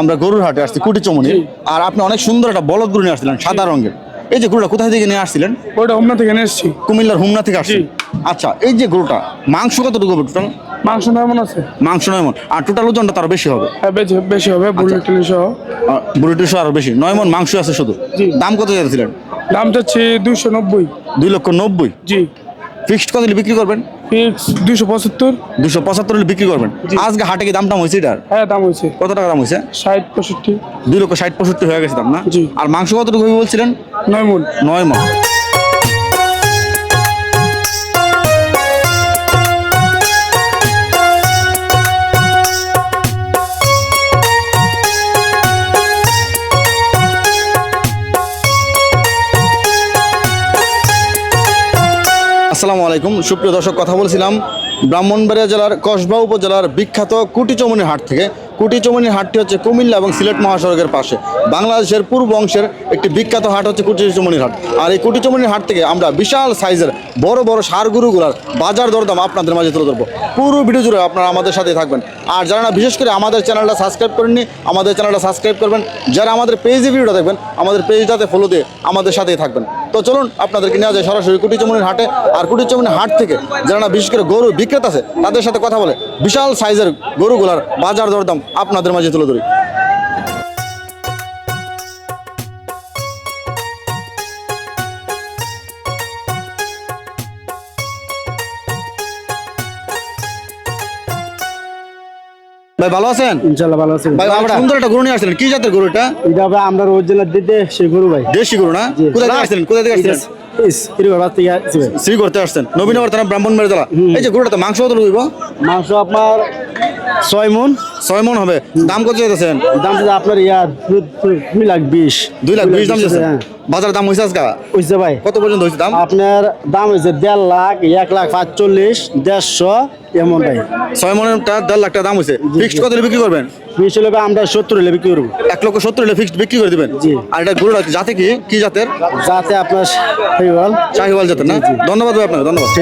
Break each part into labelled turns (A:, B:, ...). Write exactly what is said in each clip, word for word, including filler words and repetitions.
A: আমরা গরুর হাটে আসছি কুটিচমনি, আর আপনি অনেক সুন্দর একটা বলদ গরু নিয়ে আসছিলেন সাদা রঙের। এই যে গরুটা কোথায় থেকে নিয়ে আসছিলেন?
B: ওইটা হোমনা থেকে নিয়ে এসেছি।
A: কুমিল্লার হুমনা থেকে আসছি। আচ্ছা, এই যে গরুটা মাংস কতটুকু হবে টোটাল?
B: মাংস কেমন আছে?
A: মাংস নয় মন, আর টোটাল ওজনটা তার বেশি হবে।
B: হ্যাঁ বেশি বেশি হবে, বুলেটিন সহ।
A: বুড়িটিশো আরো বেশি, নয় মন মাংস আছে শুধু।
B: জি।
A: দাম কত চাইছিলেন?
B: দাম চাচ্ছি দুইশো নব্বই।
A: দুই লক্ষ নব্বই।
B: জি।
A: ফিক্সড কত হলে বিক্রি করবেন?
B: ফিক্স দুইশো পঁচাত্তর।
A: দুশো পঁচাত্তর হলে বিক্রি করবেন। আজকে হাটে কি দামটা হয়েছে এটার?
B: হ্যাঁ দাম হয়েছে।
A: কত টাকা দাম হয়েছে?
B: ষাট পঁয়ষট্টি।
A: দুই লক্ষ ষাট পঁয়ষট্টি হয়ে গেছে দাম না?
B: জি।
A: আর মাংস কতটুকু হবে বলছিলেন?
B: নয় মূল।
A: নয় মন। আসসালামু আলাইকুম সুপ্রিয় দর্শক, কথা বলছিলাম ব্রাহ্মণবাড়িয়া জেলার কসবা উপজেলার বিখ্যাত কুটিচমনি হাট থেকে। কুটিচমনি হাটটি হচ্ছে কুমিল্লা এবং সিলেট মহাসড়কের পাশে। বাংলাদেশের পূর্ব অংশের একটি বিখ্যাত হাট হচ্ছে কুটিচমনির হাট। আর এই কুটিচমনির হাট থেকে আমরা বিশাল সাইজের বড় বড় ষাঁড় গরুগুলার বাজার দরদাম আপনাদের মাঝে তুলে ধরবো। পুরো ভিডিও জুড়ে আপনারা আমাদের সাথে থাকবেন। আর যারা না বিশেষ করে আমাদের চ্যানেলটা সাবস্ক্রাইব করেননি, আমাদের চ্যানেলটা সাবস্ক্রাইব করবেন। যারা আমাদের পেজে ভিডিওটা দেখবেন, আমাদের পেজটাতে ফলো দিয়ে আমাদের সাথেই থাকবেন। তো চলুন আপনাদেরকে নিয়ে যায় সরাসরি কুটিচমনির হাটে। আর কুটিচমনির হাট থেকে যারা না বিশেষ করে গরু বিক্রেতা আছে তাদের সাথে কথা বলে বিশাল সাইজের গরুগুলার বাজার দরদাম আপনাদের মাঝে তুলে ধরি। ভাই ভালো আছেন?
C: ইনশাআল্লাহ ভালো আছি
A: ভাই আমরা সুন্দর একটা গরু নিয়ে আসছিলেন, কি জাতের গরু এটা?
C: এটা হবে আমরা অরিজিনাল দিতে সেই গরু ভাই।
A: দেশি গরু না? কোথায় থেকে আসছিলেন? কোথায় থেকে আসছিলেন?
C: ইস এরকম বাদ থেকে আসছে ভাই।
A: শ্রী করতে আসছেন নবীনগর থানা ব্রাহ্মণবাড়িয়া জেলা। এই যে গরুটাতে মাংস কত লইব?
C: মাংস আপনার ছয় মন।
A: ছয় মন হবে। দাম কত চাইতেছেন?
C: দাম যদি আপনার ইয়া দু- দু- দুই লাখ বিশ।
A: দুই লাখ বিশ দাম চাইছেন?
C: হ্যাঁ।
A: বাজার দাম হয়েছে আজকে
C: বুঝছে ভাই,
A: কত পর্যন্ত হয়েছে দাম?
C: আপনার দাম হয়েছে দেড় লাখ, এক লাখ পাঁচচল্লিশ, দেড়শো এমন ভাই।
A: ছয় মনেরটা দেড় লাখ টাকা দাম হয়েছে। ফিক্সড কত হলে বিক্রি করবেন?
C: বিশ হলে ভাই আমরা সত্তর হলে বিক্রি করবো।
A: এক লক্ষ সত্তর হলে ফিক্সড বিক্রি করে দিবেন।
C: জি।
A: আর এটা গরুটা জাতে কি কি জাতের?
C: যাতে আপনার হল
A: শাহিওয়াল জাতের না? ধন্যবাদ ভাই আপনাকে, ধন্যবাদ।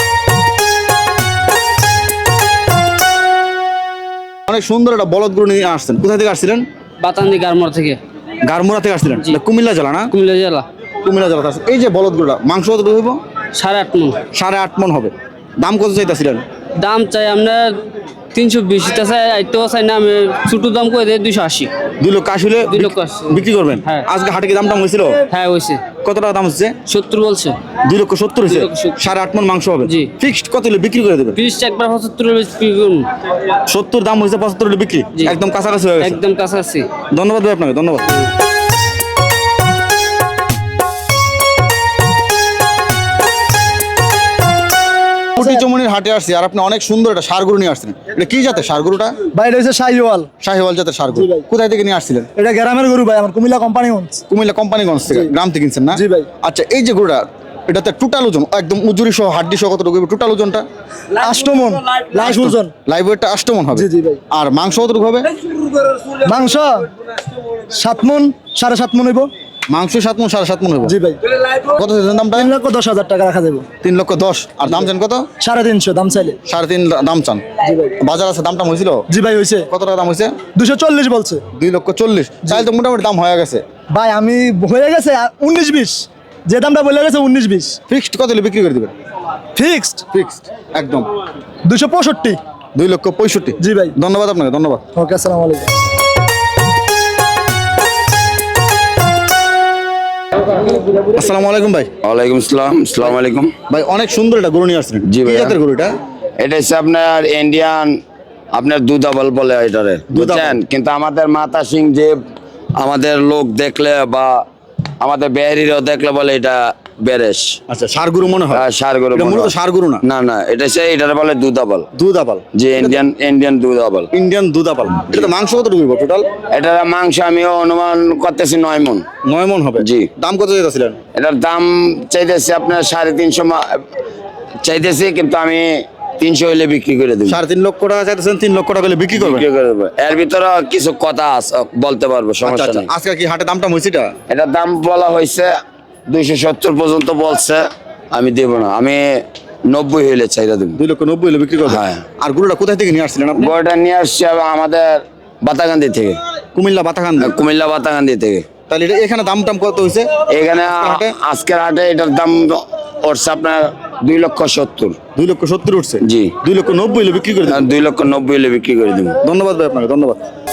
A: অনেক সুন্দর একটা বলদ গরু নিয়ে আসছেন। কোথা থেকে আসছিলেন?
D: বাতান্দি গারমোড়া থেকে।
A: গারমুরা থেকে আসছিলেন? এটা কুমিল্লা জেলা না?
D: কুমিল্লা জেলা।
A: কুমিল্লা জেলা আছে। এই যে বলদ গরুটা মাংস কত হইব?
D: সাড়ে আট মন।
A: সাড়ে আট মন হবে। দাম কত চাইতেছিলেন?
D: দাম চাই আপনার তিনশো বিশ চাই, আইতেও চাই না আমি ছোটো দাম করে দিই দুইশো আশি।
A: দুই লক্ষ আশি হলে
D: দুই লক্ষ আশি।
A: বিক্রি করবেন?
D: হ্যাঁ।
A: আজকে হাটে কি দাম টাম হয়েছিল?
D: হ্যাঁ হয়েছে।
A: কত টাকা দাম হচ্ছে?
D: সত্তর বলছে।
A: দুই লক্ষ সত্তর হয়েছে।
D: দুই লক্ষ সত্তর।
A: সাড়ে আট মন মাংস হবে।
D: জি।
A: ফিক্সড কত হলে বিক্রি করে দেবেন?
D: বিশ একবার পঁচাত্তর
A: সত্তর দাম হয়েছে, পঁচাত্তর হলে বিক্রি।
D: জি।
A: একদম কাছাকাছি হয়ে গেছে।
D: একদম কাছাকাছি।
A: ধন্যবাদ ভাই আপনাকে, ধন্যবাদ। কুটিচমনির হাটে আসছি, আর আপনি অনেক সুন্দর একটা ষাঁড় গরু নিয়ে আসছেন। এটা কি জাতের ষাঁড় গরুটা?
C: ভাই এটা হচ্ছে শাহিওয়াল।
A: শাহিওয়াল জাতের ষাঁড় গরু।
C: জি ভাই।
A: কোথায় থেকে নিয়ে আসছিলেন?
C: এটা গ্রামের গরু ভাই, আমার কুমিল্লা কোম্পানিগঞ্জ।
A: কুমিল্লা কোম্পানিগঞ্জ থেকে, গ্রাম থেকে কিনছেন না?
C: জি ভাই।
A: আচ্ছা, এই যে গরুটা এটাতে টোটাল ওজন একদম উজুরি সহ হাড্ডি সহ কতটুকু টোটাল ওজনটা?
C: আষ্টমন লাইভ ওজন।
A: লাইভ ওয়েটটা আষ্টমন হবে।
C: জি, জি ভাই।
A: আর মাংস কতটুকু হবে?
C: মাংস সাত মন, সাড়ে সাত মন হইব।
A: মাংস সাত মন, সাড়ে সাত মন হবে।
C: জি ভাই।
A: কত চাইছেন দামটা?
C: তিন লক্ষ দশ হাজার টাকা রাখা যাবে।
A: তিন লক্ষ দশ। আর দাম চান কত?
C: সাড়ে তিনশো দাম চাইলে।
A: সাড়ে তিন দাম চান।
C: জি ভাই।
A: বাজার আছে দাম টাম হয়েছিল?
C: জি ভাই হয়েছে।
A: কত টাকা দাম হয়েছে?
C: দুশো চল্লিশ বলছে
A: দুই লক্ষ চল্লিশ। তাহলে তো মোটামুটি দাম হয়ে গেছে।
C: ভাই। আমি হয়ে গেছে উনিশ বিশ, যে দামটা বলে গেছে উনিশ বিশ।
A: ফিক্সড কত হলে বিক্রি করে দিবেন?
C: ফিক্সড
A: ফিক্সড একদম
C: দুশো পঁয়ষট্টি।
A: দুই লক্ষ পঁয়ষট্টি।
C: জি ভাই।
A: ধন্যবাদ আপনাকে, ধন্যবাদ।
C: ওকে, আসসালামু আলাইকুম।
A: আসসালামু আলাইকুম ভাই।
E: ওয়ালাইকুম আসসালাম। আসসালামু আলাইকুম।
A: ভাই অনেক সুন্দর একটা গরু নিয়ে আসছেন।
E: জি
A: কি
E: ভাইয়া।
A: জাতের গরু এটা?
E: এটা হচ্ছে আপনার ইন্ডিয়ান, আপনার দুধাবল বলে এটারে,
A: দুধাবল।
E: বুঝছেন? কিন্তু আমাদের মাতা সিং যে আমাদের লোক দেখলে বা আমাদের বেহারিরাও দেখলে বলে এটা বেরেশ।
A: আচ্ছা, ষাঁড় গরু মনে হয়।
E: সার গরু
A: এটা
E: মনে
A: মূলত
E: হয়।
A: ষাঁড় গরু না?
E: না না, এটা হচ্ছে এটারে বলে দুধাবল।
A: দুধ আপাল।
E: যে ইন্ডিয়ান ইন্ডিয়ান দুধাবল।
A: ইন্ডিয়ান দুধ আপাল। এটা মাংস কতটুকু টোটাল?
E: এটার মাংস আমিও অনুমান করতেছি নয় মন।
A: নয় মন হবে।
E: জি।
A: দাম কত চাইতেছিলেন?
E: এটার দাম চাইতেছি আপনার সাড়ে তিনশো মা- চাইতেছি, কিন্তু আমি তিনশো হইলে বিক্রি করে দেবো।
A: সাড়ে তিন লক্ষ টাকা চাইতেছেন, তিন লক্ষ টাকা হলে বিক্রি করবেন?
E: বিক্রি করে দেবো। এর ভিতরে কিছু কথা আছে, বলতে পারবো,
A: আচ্ছা
E: সমস্যা
A: আচ্ছা,
E: নেই।
A: আজকে কি হাটে দামটা হয়েছে এটা?
E: এটার দাম বলা হয়েছে দুইশো সত্তর পর্যন্ত বলছে, আমি দেবো না, আমি নব্বই হইলে চাইরা দেবো।
A: দুই লক্ষ নব্বই হলে বিক্রি করবেন?
E: হ্যাঁ।
A: আর গরুটা কোথায় থেকে নিয়ে আসছিলেন আপনি?
E: বইটা নিয়ে আসছি আমাদের বাতাগান্দি থেকে।
A: কুমিল্লা বাতাখান্দি।
E: কুমিল্লা বাতাকান্দি থেকে।
A: তাহলে এটা এখানে দাম টাম কত হয়েছে?
E: এখানে আ-
A: হাটে?
E: আজকের হাটে এটার দাম উঠছে আপনার দুই লক্ষ সত্তর।
A: দুই লক্ষ সত্তর উঠছে।
E: জি।
A: দুই লক্ষ নব্বই হলে বিক্রি করে দেবেন।
E: দুই লক্ষ নব্বই হলে বিক্রি করে দেবো।
A: ধন্যবাদ ভাই আপনাকে, ধন্যবাদ।